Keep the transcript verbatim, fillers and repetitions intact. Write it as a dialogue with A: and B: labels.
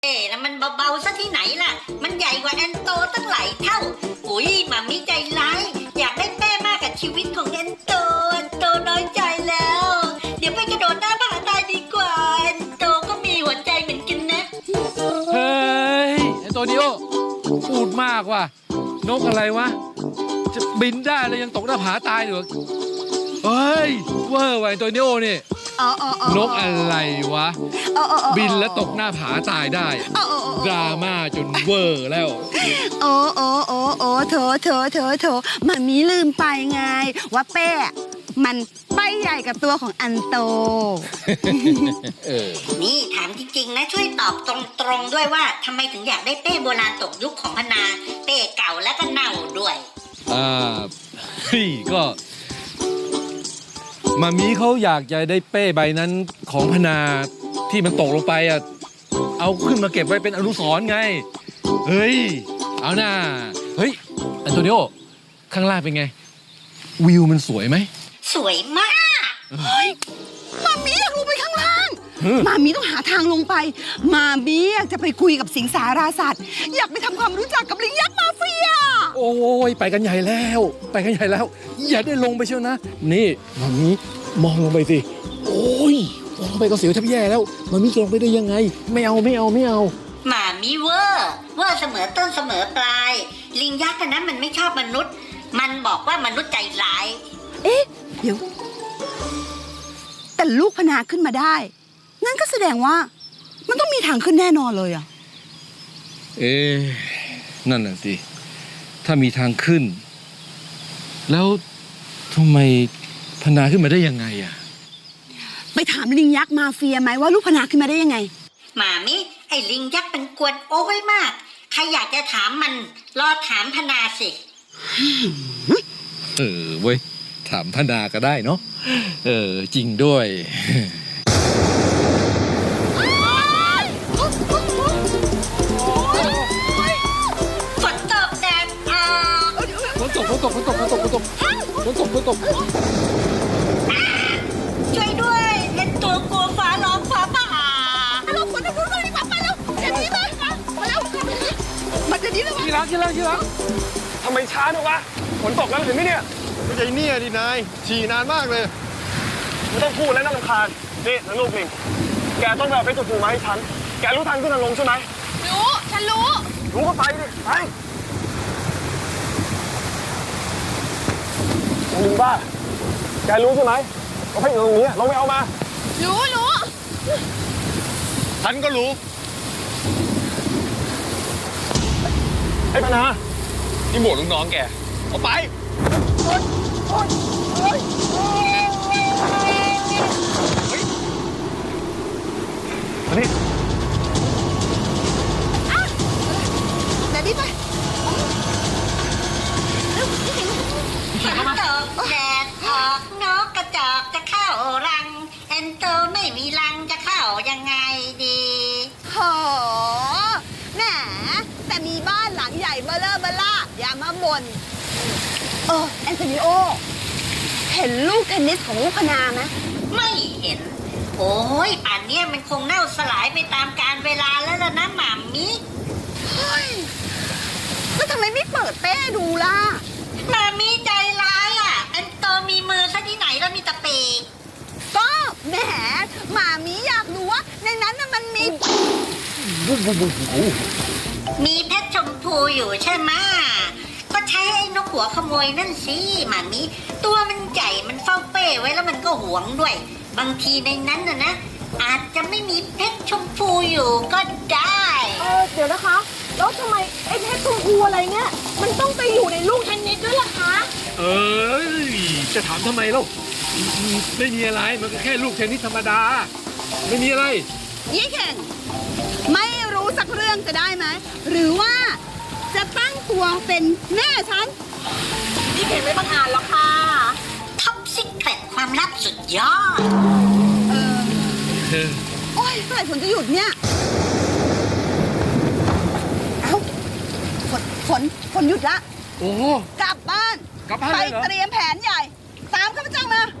A: เอ๋แล้วมันเบาๆซะที่ไหนล่ะมันใหญ่กว่าแอนโตตั้งหลายเท่าอุ้ยหมามิใจร้ายอยากได้แป้มากกับชีวิตของแอนโตแอนโตน้อยใจแล้วเดี๋ยวไปกระโดดหน้าผาตายดีกว่าแอนโตก็มีหัวใจเหมือนกันนะ
B: เฮ้ยแอนโตนิโอพูดมากว่ะนกอะไรวะจะบินได้แล้วยังตกหน้าผาตายเหรอเฮ้ยเวอร์ว่ะแอนโตนิโอนี่นกอะไรวะบินแล้วตกหน้าผาตายได้ดราม่าจนเวอร์แล้ว
C: โอ้โอ้โอ้โอ้โถโถโถโถมันมีลืมไปไงว่าเป้มันใบใหญ่กับตัวของอันโต
A: นี่ถามจริงๆนะช่วยตอบตรงๆด้วยว่าทำไมถึงอยากได้เป้โบราณตกยุคของพนาเป้เก่าแล้วก็เน่าด้วย
B: อ่าเฮ้ยก็มามีเขาอยากจะได้เป้ใบนั้นของพนาที่มันตกลงไปอ่ะเอาขึ้นมาเก็บไว้เป็นอนุสรณ์ไงเฮ้ยเอาหน้าเฮ้ยแอนโตนิโอข้างล่างเป็นไงวิวมันสวยไหม
A: สวยมาก
C: เฮ้ยมามีอยากลงไปข้างล่างมามีต้องหาทางลงไปมามีอยากจะไปคุยกับสิงสาราสัตว์อยากไปทำความรู้จักกับลิงยักษ์มาเฟีย
B: โอ้ยไปกันใหญ่แล้วไปกันใหญ่แล้วอย่าได้ลงไปเชียวนะนี่มามีมองลงไปสิโอ้ยมองลงไปก็เสียวแทบแย่แล้วมามีจะลงไปได้ยังไงไม่เอาไม่เอาไม่เอา
A: หมามีเวอร์เวอร์เสมอต้นเสมอปลายลิงยักษ์นั้นมันไม่ชอบมนุษย์มันบอกว่ามนุษย์ใจร้าย
C: เอ๊ะเดี๋ยวแต่ลูกพนาขึ้นมาได้นั่นก็แสดงว่ามันต้องมีทางขึ้นแน่นอนเลยอ่ะ
B: เอ๊ะนั่นน่ะสิถ้ามีทางขึ้นแล้วทำไมพนาขึ้นมาได้ยังไงอ่ะ
C: ไปถามลิงยักษ์มาเฟียไหมว่าลูกพนาขึ้นมาได้ยังไง
A: หมามิไอ้ลิงยักษ์เป็นกวนโอ้ยมากใครอยากจะถามมันรอถามพนาสิ
B: เออเว้ยถามพนาก็ได้เนาะเออจริงด้วย
A: ฝนตกแดดออก
B: ฝนตกฝนตกฝนตกฝนตกฝนตกฝนตกฝนตก
A: ช่วยด้วยเล่นตัวกลัวฟ้าร้องฟ้าผ่า
C: เราควรจะรู้เรื่องนี้ไปแล้วเดี๋ยวนี้มามาแล้วมันจะนี้แล้ว
B: ที่รักที่รักที่รัก
D: ทำไมช้าจังวะฝนตกแล้วเห็นไหมเนี่ย
E: ไม่ใช่เนี่ยดินายฉี่นานมากเลย
D: ไม่ต้องพูดแล้วน่ารำคาญนี่นังลูกลิงแกต้องไปเอาเพชรภูมิมาให้ฉันแกรู้ทางขึ้นทางลงใช่ไหม
C: รู้ฉันรู้
D: รู้ก็ไปดิไปลิงบ้าแกรู้ใช่ไหมเอาเพชรอยู่ตรงนี้ลงไปเอามา
C: รู้รู้
E: ฉันก็รู้
D: ไอ้พนา
E: นี่หมวดลูกน้องแกเอาไป
D: มานี่
C: เดี๋ยวนี้ไป
A: ฝนตกแดดออกนกกระจอกจะเข้ารังแอนโตไม่มีรังจะเข้ายังไงดี
C: โหแหมแต่มีบ้านหลังใหญ่เบ้อเร่อเบ้อล่าอย่ามาบ่นเออแอนโทนิโอเห็นลูกเทนนิสของลูกพนาไหม
A: ไม่เห็นโอ้ยป่านนี้มันคงเน่าสลายไปตามกาลเวลาแล้วล่ะนะหม่ามิ
C: เฮ้ยแล้วทำไมไม่เปิดเป้ดูล่ะ
A: หม่ามิใจร้ายอ่ะแอนโตมีมือซะที่ไหนแล้วมีตะปี
C: ก็แหมหม่ามิอยากรู้ว่าในนั้นน่ะมันมี
A: มีเพชรชมพูอยู่ใช่ไหมก็ใช้ไอ้นกหัวขโมยนั่นสิหมามิตัวมันใหญ่มันเฝ้าเป้ไว้แล้วมันก็หวงด้วยบางทีในนั้นน่ะนะอาจจะไม่มีเพชรชมพูอยู่ก็ได้
F: เออเดี๋ยวนะคะแล้วทำไมไอ้เพชรชมพูอะไรเนี่ยมันต้องไปอยู่ในลูกเทนนิสด้วยล่ะคะ
B: เอ้ยจะถามทำไมเล่าไม่มีอะไรมันก็แค่ลูกเทนนิสธรรมดาไม่มีอะไร
C: ยี่เข่งไม่รู้สักเรื่องจะได้ไหมหรือว่าจะตั้งตัวเป็นแม่ฉัน
F: ยี่เข่งไม่บังอาจหรอกค่ะ
A: ท็อปซิกเร็ตความลับสุดยอด
C: เออโอ้ยเมื่อไหร่ฝนจะหยุดเนี่ยเอ้าฝนฝนฝนหยุดละ
B: โอ้
C: กลับบ้าน
B: กลับบ้าน
C: ไปเตรียมแผนใหญ่ตามข้าพเจ้ามา